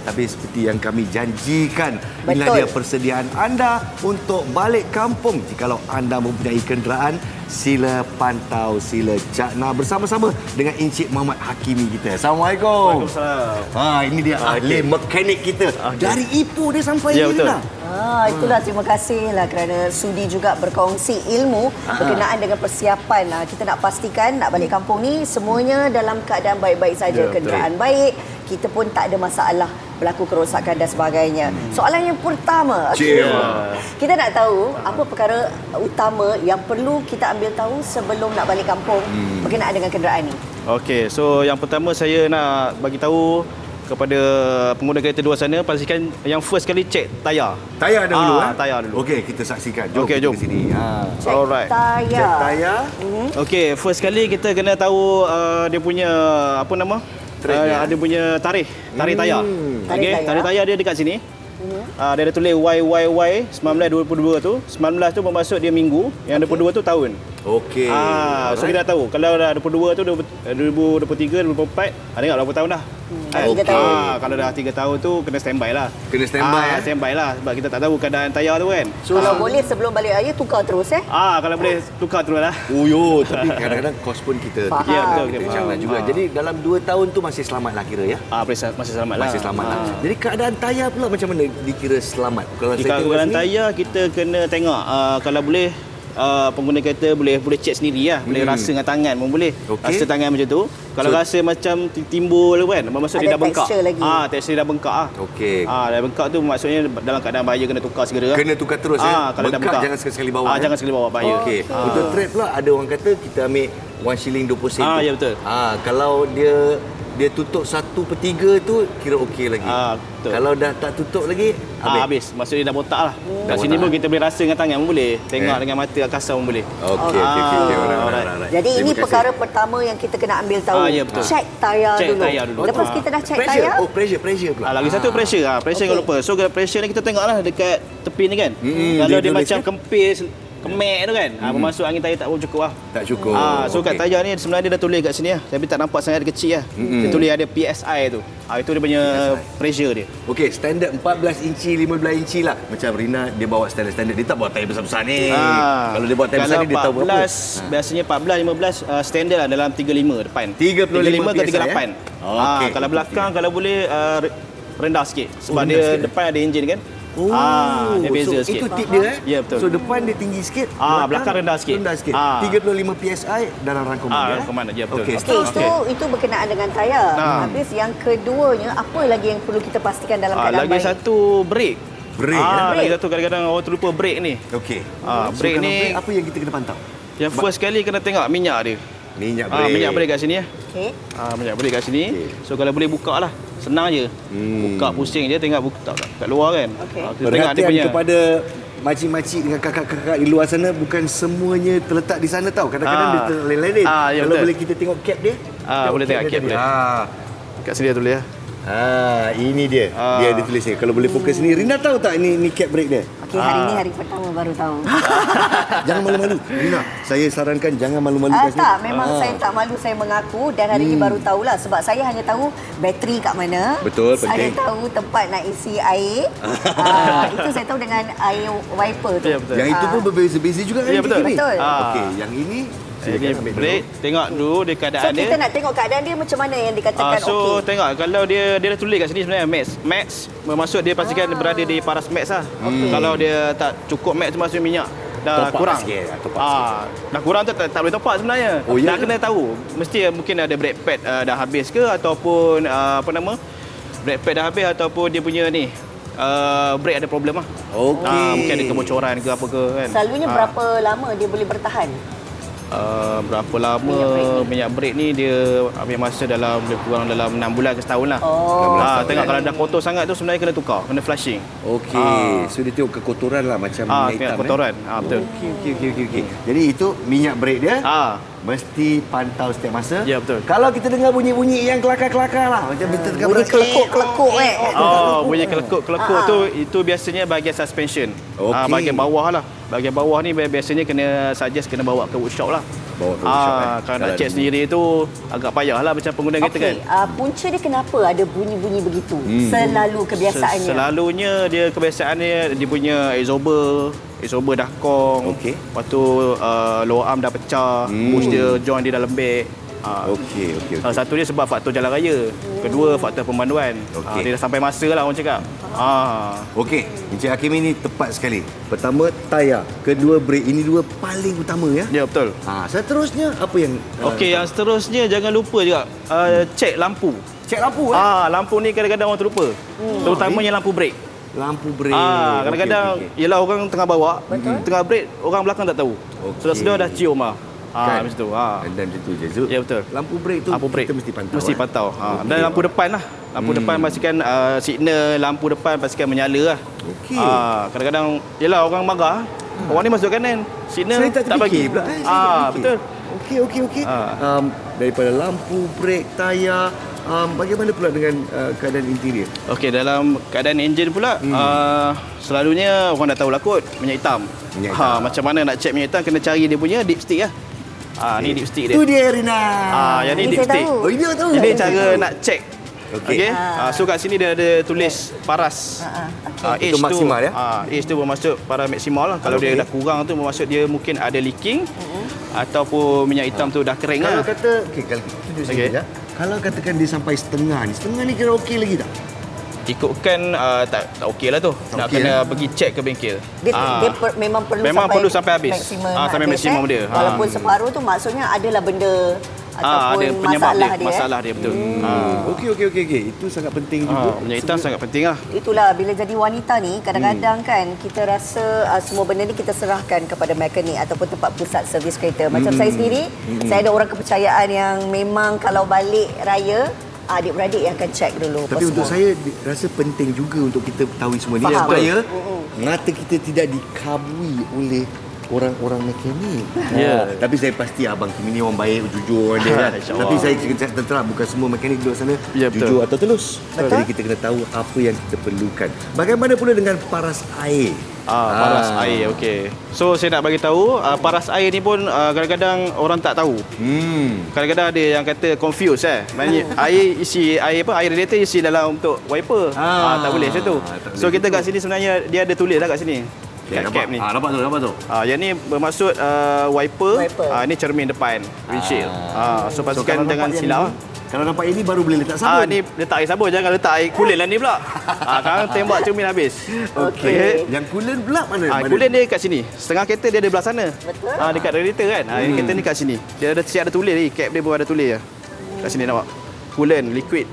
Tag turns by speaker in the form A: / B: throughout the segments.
A: Tapi seperti yang kami janjikan, inilah dia persediaan anda untuk balik kampung. Jikalau anda mempunyai kenderaan, sila pantau, sila cakna bersama-sama dengan Encik Muhammad Hakimi kita. Assalamualaikum.
B: Waalaikumsalam.
A: Ini dia ahli mekanik kita. Dari Ipoh dia sampai
B: ya,
A: ni
B: betul.
A: lah.
C: Itulah, terima kasihlah kerana sudi juga berkongsi ilmu berkenaan dengan persiapan. Kita nak pastikan nak balik kampung ni semuanya dalam keadaan baik-baik saja,
B: Ya,
C: kenderaan baik, kita pun tak ada masalah berlaku kerosakan dan sebagainya. Soalan yang pertama, kita nak tahu apa perkara utama yang perlu kita ambil tahu sebelum nak balik kampung berkenaan dengan kenderaan ni.
B: Okey, so yang pertama saya nak bagi tahu kepada pengguna kereta luar sana, pastikan yang first kali cek tayar.
A: Tayar dahulu.
B: Tayar dulu.
A: Okey, kita saksikan. Jom
B: Okey,
A: kita
B: jom.
A: ke sini.
C: Cek
B: Alright.
C: tayar.
A: Cek tayar.
B: Okey, first kali kita kena tahu dia punya apa nama? Ada punya tarikh tayar. Okey, tarikh tayar dia dekat sini. Dia ada tulis YYY 1922 tu. 19 tu bermaksud dia minggu, yang 22 tu tahun.
A: Okey.
B: So kita dah tahu kalau dah 22 tu 2023, 2024, tengok berapa tahun dah.
C: Dah 3 tahun.
B: Kalau dah 3 tahun tu kena standby lah.
A: Kena standby,
B: standby lah sebab kita tak tahu keadaan tayar tu kan.
C: So, kalau boleh sebelum balik raya tukar terus
B: Kalau boleh tukar terus lah.
A: Tapi kadang-kadang kos pun kita
C: Faham.
B: Ya, betul,
A: kita
B: faham.
A: jangan juga. Jadi dalam 2 tahun tu masih selamat lah kira ya.
B: Masih selamat lah.
A: Masih selamat lah. Jadi keadaan tayar pula macam mana dikira selamat? Kalau
B: Di
A: saya tengok
B: keadaan
A: sini,
B: tayar kita kena tengok kalau boleh pengguna kereta boleh cek sendiri lah. Boleh rasa dengan tangan pun boleh.
A: Okey.
B: Rasa tangan macam tu. Kalau rasa macam timbul kan, maksud dia
C: Ada
B: dah bengkak.
C: tekstur lagi.
B: Tekstur dia dah bengkak ah.
A: okey.
B: Dah bengkak tu maksudnya dalam keadaan bahaya, kena tukar segera.
A: Kena tukar terus ya.
B: Kalau dah
A: Bengkak
B: bengkak
A: jangan sekali-sekali bawa.
B: Jangan sekali bawa, bahaya.
A: Okey. Untuk trade pula ada orang kata kita ambil 1 shilling 20 sen.
B: Ya, betul.
A: Kalau dia tutup 1/3 tu kira okey lagi.
B: Betul.
A: Kalau dah tak tutup lagi
B: habis. Maksudnya dah botak lah.
A: Dah
B: Kat sini
A: botak.
B: pun kita boleh rasa dengan tangan pun boleh. Tengok dengan mata kasar pun boleh.
A: Okey. Alright.
C: Jadi
A: Terima
C: ini
A: kasih.
C: perkara pertama yang kita kena ambil tahu.
B: Ya, betul.
C: Cek tayar
B: Cek
C: dulu.
B: tayar dulu.
C: Lepas kita dah cek
A: Pressure.
C: tayar,
A: Pressure pula.
B: Lagi satu pressure pressure jangan lupa. So pressure ni kita tengoklah dekat tepi ni kan. Kalau dia
A: dia
B: macam
A: tulis
B: kempis, kemek tu kan. Bermaksud angin tayar tak cukup lah.
A: Tak cukup.
B: So kat tayar ni sebenarnya dia dah tulis kat sini lah. Tapi tak nampak sangat dia kecil lah. Dia tulis ada PSI tu. Itu dia punya pressure dia.
A: Okey, standard 14 inci, 15 inci lah. Macam Rina dia bawa standard. Dia tak bawa tayar besar-besar ni. Kalau dia bawa tayar besar ni dia tahu berapa.
B: Biasanya 14, 15 standard lah dalam 35 depan.
A: 35
B: ke
A: PSI,
B: 38.
A: Okey.
B: Kalau belakang kalau boleh rendah sikit. Sebab
A: rendah
B: dia
A: sikit.
B: depan ada enjin kan. Dia beza
A: so
B: sikit.
A: itu tip dia
B: Ya, betul.
A: So depan dia tinggi sikit,
B: belakang rendah sikit.
A: 35 PSI dalam rangkuman dia.
B: Rangkuman dia, betul.
A: Okey,
C: okey, itu berkenaan dengan tayar. Habis yang keduanya, apa lagi yang perlu kita pastikan dalam keadaan
B: lagi
C: baik?
B: satu brake.
A: Brake,
B: Lagi satu kadang-kadang orang terlupa brake ni.
A: Okey.
B: Brake
A: kalau
B: ni
A: brake, apa yang kita kena pantau?
B: yang first kali kena tengok minyak dia.
A: Minyak brake.
B: Minyak brake kat sini ya.
C: Okey.
B: Minyak brake kat sini.
A: Okey.
B: So kalau boleh buka lah. Senang je. Buka pusing je, tengok buka kat luar kan.
C: Okey.
B: Kita tengok dia
A: Perhatian
B: punya
A: kepada makcik-makcik dengan kakak-kakak di luar sana, bukan semuanya terletak di sana tau. Kadang-kadang dia terleleh.
B: Ya,
A: Kalau
B: betul.
A: boleh kita tengok cap dia.
B: boleh tengok cap
A: dia.
B: dia. Kat sini dia tulis ya.
A: Ini dia. Dia ada tulis ni. Kalau boleh fokus ni. Rina tahu tak ni cap brake dia?
C: Okey, hari ni hari pertama baru tahu.
A: Jangan malu-malu. Rina, saya sarankan jangan malu-malu kat sini.
C: Tak, memang saya tak malu, saya mengaku dan hari ini baru tahulah sebab saya hanya tahu bateri kat mana.
A: Betul,
C: Saya
A: penting.
C: tahu tempat nak isi air. Itu saya tahu dengan air wiper tu.
B: Ya, betul.
A: Yang itu pun berbeza-beza juga kan?
B: Ya, betul.
A: Kiri?
C: Betul.
A: Okey, yang ini
B: Ini
A: silakan ambil
B: brake, tengok dulu dia
C: So
B: keadaan dia.
C: kita nak tengok keadaan dia macam mana yang dikatakan
B: So
C: okey.
B: tengok kalau dia dah tulis kat sini sebenarnya max bermaksud dia pastikan dia berada di paras max lah. Kalau dia tak cukup max tu maksudnya minyak dah
A: Top up
B: kurang.
A: sikit, top up sikit.
B: Dah kurang tu tak boleh top up sebenarnya.
A: Ya
B: Dah
A: ke?
B: kena tahu. Mesti mungkin ada brake pad dah habis ke ataupun brake pad dah habis ataupun dia punya ni brake ada problem lah.
A: Okey.
B: Mungkin ada kebocoran ke apa ke kan.
C: Selalunya berapa lama dia boleh bertahan?
B: Berapa lama minyak brake ni dia ambil masa dalam lebih kurang dalam 6 bulan ke setahun lah. Tengok kalau dah kotor sangat tu sebenarnya kena tukar, kena flushing.
A: Okey. So dia tengok kekotoran lah macam minyak
B: Kena
A: hitam.
B: kotoran. Betul.
A: Okey. Jadi itu minyak brake dia. Mesti pantau setiap masa.
B: Ya, betul.
A: Kalau kita dengar bunyi-bunyi yang kelakar-kelakar lah. Macam kita tengah
C: Bunyi kelekuk-kelekuk
B: bunyi kelekuk-kelekuk tu itu biasanya bahagian suspension.
A: Okey.
B: Bahagian bawah lah. Bahagian bawah ni biasanya kena bawa ke workshop lah.
A: Bawa ke workshop,
B: Kalau nak check sendiri tu agak payah lah macam pengguna kereta kan.
C: Punca dia kenapa ada bunyi-bunyi begitu? Selalu kebiasaannya.
B: Selalunya dia kebiasaannya dia punya exober dah kong.
A: Okey.
B: Lepas tu lower arm dah pecah, push dia joint dia dah lembek.
A: Okey.
B: Salah satu dia sebab faktor jalan raya. Kedua faktor pemanduan.
A: Okey.
B: Dia dah sampai masa lah orang cakap.
A: Okey, Encik Hakim ini tepat sekali. Pertama, tayar. Kedua, brake. Ini dua paling utama ya.
B: Ya betul.
A: Seterusnya apa yang
B: Okey, yang seterusnya jangan lupa juga cek lampu.
A: cek lampu
B: Lampu ni kadang-kadang orang terlupa. Terutamanya lampu brake.
A: Lampu brake.
B: Kadang-kadang yelah orang tengah bawa, tengah brake, orang belakang tak tahu. Sudah-sudah dah cium lah.
A: Kan?
B: Macam tu.
A: Dan macam tu je Zul.
B: Ya betul.
A: Lampu brake tu
B: Lampu brake
A: kita mesti pantau.
B: Mesti pantau.
A: Okey.
B: Dan lampu depan lah. Lampu depan pastikan signal lampu depan pastikan menyala lah.
A: Okey.
B: Kadang-kadang yelah orang marah. Orang ni masuk kanan. Signal
A: Saya tak
B: bagi.
A: terfikir pula. Saya tak terfikir.
B: Betul.
A: Okey. Daripada lampu, brake, tayar, bagaimana pula dengan keadaan interior?
B: Okey, dalam keadaan enjin pula selalunya orang dah tahu lah kot minyak hitam.
A: Minyak hitam.
B: Macam mana nak check minyak hitam kena cari dia punya dipstick lah. Ni dipstick dia.
A: Itu dia Rina.
B: Yang ni
C: Ini saya
B: dipstick.
C: tahu.
A: Oh, ini aku tahu.
B: Ini cara nak check.
A: Okey.
B: So kat sini dia ada tulis paras. Age
A: Itu maksimal ya?
B: Age tu bermaksud para maksimal lah. Kalau dia dah kurang tu bermaksud dia mungkin ada leaking ataupun minyak hitam tu dah kering
A: Kalau
B: lah.
A: kata kalau tunjuk sini
B: Okey.
A: ya. Kalau katakan dia sampai setengah ni kira okey lagi tak?
B: Ikutkan tak okey lah tu. Nak
A: okey,
B: kena pergi check ke bengkel.
C: Memang
B: perlu sampai habis. Sampai maksimum dia.
C: Walaupun separuh tu maksudnya adalah benda ataupun
B: ada penyebab
C: masalah dia.
B: Masalah dia betul.
A: Okey. Itu sangat penting juga.
B: Minyak hitam sangat penting lah.
C: Itulah bila jadi wanita ni kadang-kadang kan kita rasa semua benda ni kita serahkan kepada mekanik ataupun tempat pusat servis kereta. Macam saya sendiri, saya ada orang kepercayaan yang memang kalau balik raya adik-beradik yang akan check dulu.
A: Tapi untuk saya rasa penting juga untuk kita ketahui semua ni
C: Faham.
A: supaya mata kita tidak dikabui oleh orang-orang mekanik.
B: Ya.
A: Tapi saya pasti Abang Kim ni orang baik, jujur dia kan.
B: InsyaAllah.
A: Tapi saya cakap terang bukan semua mekanik di luar sana
B: Ya, betul.
A: jujur atau telus.
C: Betul.
A: Jadi kita kena tahu apa yang kita perlukan. Bagaimana pula dengan paras air?
B: Paras air, okey. So saya nak bagi tahu paras air ni pun kadang-kadang orang tak tahu. Kadang-kadang ada yang kata confuse Maknanya air radiator isi dalam untuk wiper. Tak boleh macam tu.
A: tak
B: So
A: boleh
B: kita kat sini sebenarnya dia ada tulis lah kat sini.
A: Okay,
B: Kat cap ni.
A: Nampak tu.
B: Yang ni bermaksud wiper.
C: Wiper.
B: Ini cermin depan windshield. So pastikan
A: kalau
B: jangan
A: nampak yang
B: silap.
A: ni, kalau nampak ini baru boleh letak sabun.
B: Ni letak air sabun, jangan letak air coolant lah ni pula. Sekarang tembak cermin habis.
A: Okey. Yang coolant pula mana?
B: Coolant dia kat sini. Setengah kereta dia ada belah sana.
C: Betul.
B: Dekat radiator kan. Yang kereta ni kat sini. Dia ada siap ada tulis ni, cap dia pun ada tulis. Kat sini nampak. Coolant liquid.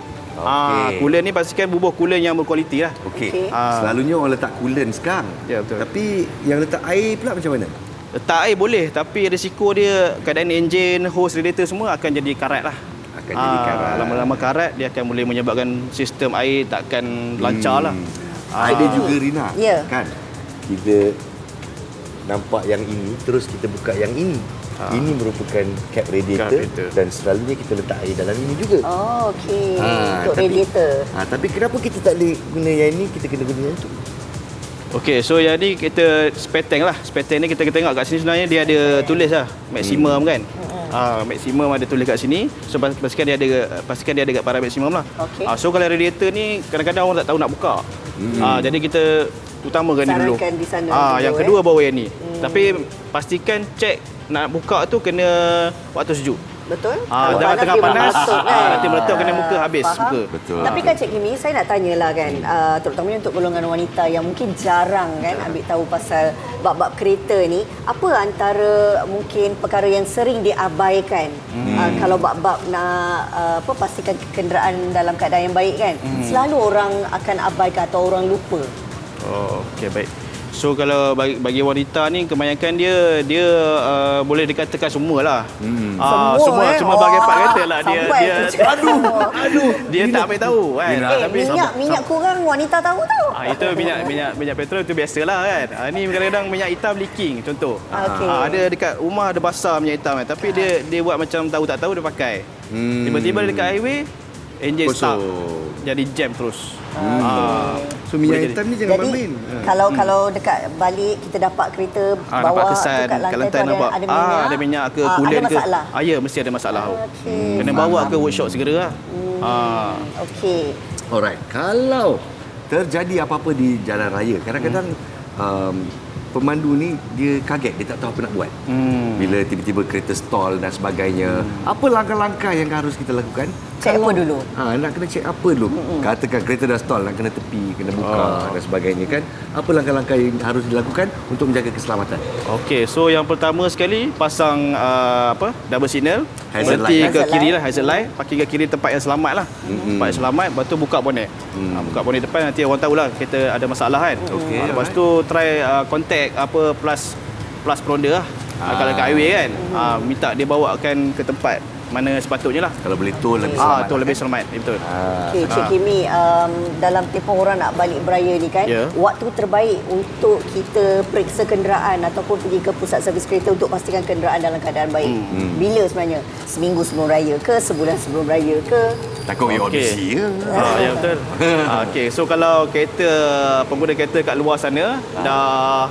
B: Coolant ni pastikan bubuh coolant yang berkualiti lah.
A: Okey. Selalunya orang letak coolant sekarang.
B: Ya, betul.
A: Tapi yang letak air pula macam mana?
B: Letak air boleh, tapi risiko dia keadaan enjin, hose, radiator semua akan jadi karat lah.
A: Akan jadi karat.
B: Lama-lama karat, dia akan boleh menyebabkan sistem air takkan lancar lah.
A: Ada juga Rina.
C: Ya.
A: Kan? Kita nampak yang ini, terus kita buka yang ini. Ini merupakan cap radiator, dan selalunya kita letak air dalam ini juga.
C: Oh, okey. Untuk radiator.
A: Tapi kenapa kita tak boleh guna yang ini, kita kena guna yang itu?
B: Okey, so jadi kita spare tank lah. Spare tank ni kita tengok kat sini sebenarnya dia ada tulis lah maksimum kan. Maksimum ada tulis kat sini. So pastikan dia ada kat para maksimum lah.
C: Okey.
B: So kalau radiator ni kadang-kadang orang tak tahu nak buka. Jadi kita utamakan ni dulu.
C: Sarankan di sana dulu,
B: Yang kedua bawa yang ni. Tapi pastikan cek nak buka tu kena waktu sejuk.
C: Betul?
B: Jangan tengah panas, nanti meletup kena muka habis.
C: Faham?
B: Muka.
A: Betul.
C: Tapi kan Cik Kimi, saya nak tanyalah kan, terutamanya untuk golongan wanita yang mungkin jarang kan ambil tahu pasal bab-bab kereta ni, apa antara mungkin perkara yang sering diabaikan kalau bab-bab nak pastikan kenderaan dalam keadaan yang baik kan? Selalu orang akan abaikan atau orang lupa.
B: Okey, baik. So kalau bagi wanita ni kebanyakan dia boleh dikatakan semualah. Semua bahagian part kereta lah dia dia tak ambil tahu kan.
C: Tapi minyak kurang wanita tahu tau.
B: Itu minyak petrol itu biasalah kan. Ni kadang-kadang minyak hitam leaking contoh. Ada dekat rumah ada basah minyak hitam kan, tapi dia buat macam tahu tak tahu dia pakai. Tiba-tiba dia dekat highway enjin stuck. jadi jam terus.
A: So minyak
B: Boleh
A: hitam ni jangan
C: Jadi
A: main.
C: kalau dekat balik kita dapat kereta
B: Nampak
C: bawah tu
B: kesan
C: kat
B: kat
C: lantai tu
B: nampak.
C: ada minyak.
B: Ada minyak ke
C: ada
B: kulen ke.
C: masalah.
B: Ya, mesti ada masalah.
C: Okey.
B: Kena bawa ke workshop segera lah.
C: Okey.
A: Alright, kalau terjadi apa-apa di jalan raya, kadang-kadang pemandu ni dia kaget, dia tak tahu apa nak buat. Bila tiba-tiba kereta stall dan sebagainya, apa langkah-langkah yang harus kita lakukan?
C: Cek apa dulu?
A: Nak kena cek apa dulu? Katakan kereta dah stall, nak kena tepi, kena buka dan sebagainya kan. Apa langkah-langkah yang harus dilakukan untuk menjaga keselamatan?
B: Okey, so yang pertama sekali pasang double signal,
A: Hazard
B: berhenti
A: light,
B: ke
C: hazard
B: kiri
C: light.
B: lah, hazard light, parking ke kiri tempat yang selamat lah. Tempat yang selamat, lepas tu buka bonet. Buka bonet depan, nanti orang tahulah kita ada masalah kan.
A: Okey,
B: Lepas tu try contact plus pronda lah. Kalau kat highway kan, minta dia bawakan ke tempat mana sepatutnya lah.
A: Kalau boleh tol lebih selamat.
B: Tu lebih selamat, betul.
C: Okey, Cik Kimi, dalam tempoh orang nak balik beraya ni kan,
B: Ya.
C: waktu terbaik untuk kita periksa kenderaan ataupun pergi ke pusat servis kereta untuk pastikan kenderaan dalam keadaan baik. Bila sebenarnya? Seminggu sebelum raya ke? Sebulan sebelum raya ke?
A: Takut you all
B: Okey.
A: busy ya.
B: Ya betul. Okey, so kalau pengguna kereta kat luar sana dah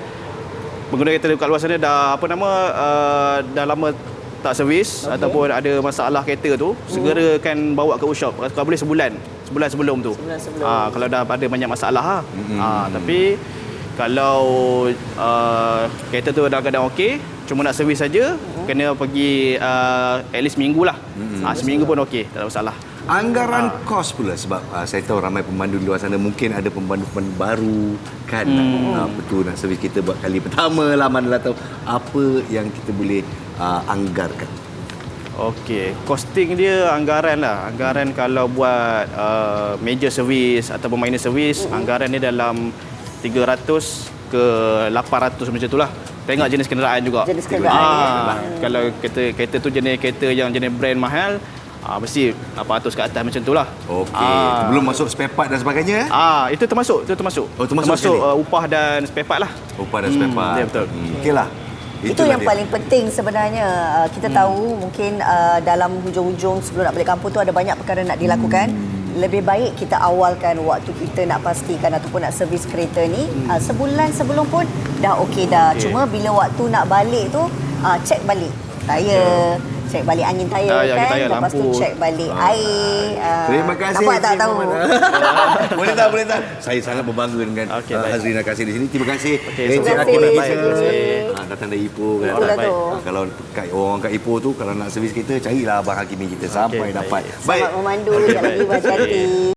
B: dah lama tak servis ataupun ada masalah kereta tu, segerakan bawa ke workshop. Kalau boleh sebulan sebelum tu.
C: Sebulan sebelum.
B: Kalau dah ada banyak masalah tapi kalau kereta tu dalam keadaan okey, cuma nak servis saja, kena pergi at least seminggu lah. Seminggu pun okey, tak ada masalah.
A: Anggaran kos pula sebab saya tahu ramai pemandu di luar sana mungkin ada pemandu-pemandu baru kan. Betul nak servis kita buat kali pertama lah, manalah tahu apa yang kita boleh anggarkan.
B: Okey, costing dia anggaran lah. Anggaran kalau buat major service ataupun minor service, anggaran dia dalam 300 ke 800 macam tu lah. Tengok jenis kenderaan juga.
C: Jenis kenderaan,
B: Kalau kereta tu jenis kereta yang jenis brand mahal, mesti 800 ke atas macam tu lah.
A: Okey, belum masuk spare part dan sebagainya.
B: Itu termasuk.
A: Oh, termasuk sekali.
B: Upah dan spare part lah.
A: Upah dan spare part.
B: Ya, betul.
A: Okeylah.
C: Itu yang paling penting sebenarnya. Kita tahu mungkin dalam hujung-hujung sebelum nak balik kampung tu ada banyak perkara nak dilakukan. Lebih baik kita awalkan waktu kita nak pastikan ataupun nak servis kereta ni sebulan sebelum pun dah okey dah. Cuma bila waktu nak balik tu cek balik tayar, cek balik angin tayar kan.
B: tayar,
C: Lepas tu
B: lampu.
C: cek balik air.
A: Terima kasih.
C: Nampak tak
A: Encik
C: tahu?
A: Muhammad. Boleh tak? Saya sangat berbangga dengan
B: Okey, baik.
A: Hazrina Kasih di sini. Terima kasih.
B: Okey,
A: Encik
C: terima
A: Akil
C: kasih.
A: Malaysia.
C: Terima kasih.
A: Datang dari Ipoh kan.
C: Itulah tu.
A: Kalau orang kat Ipoh tu kalau nak servis kereta, carilah Abang Hakimi kita sampai
B: baik.
A: dapat.
C: Selamat memandu. Sekejap lagi berhati-hati.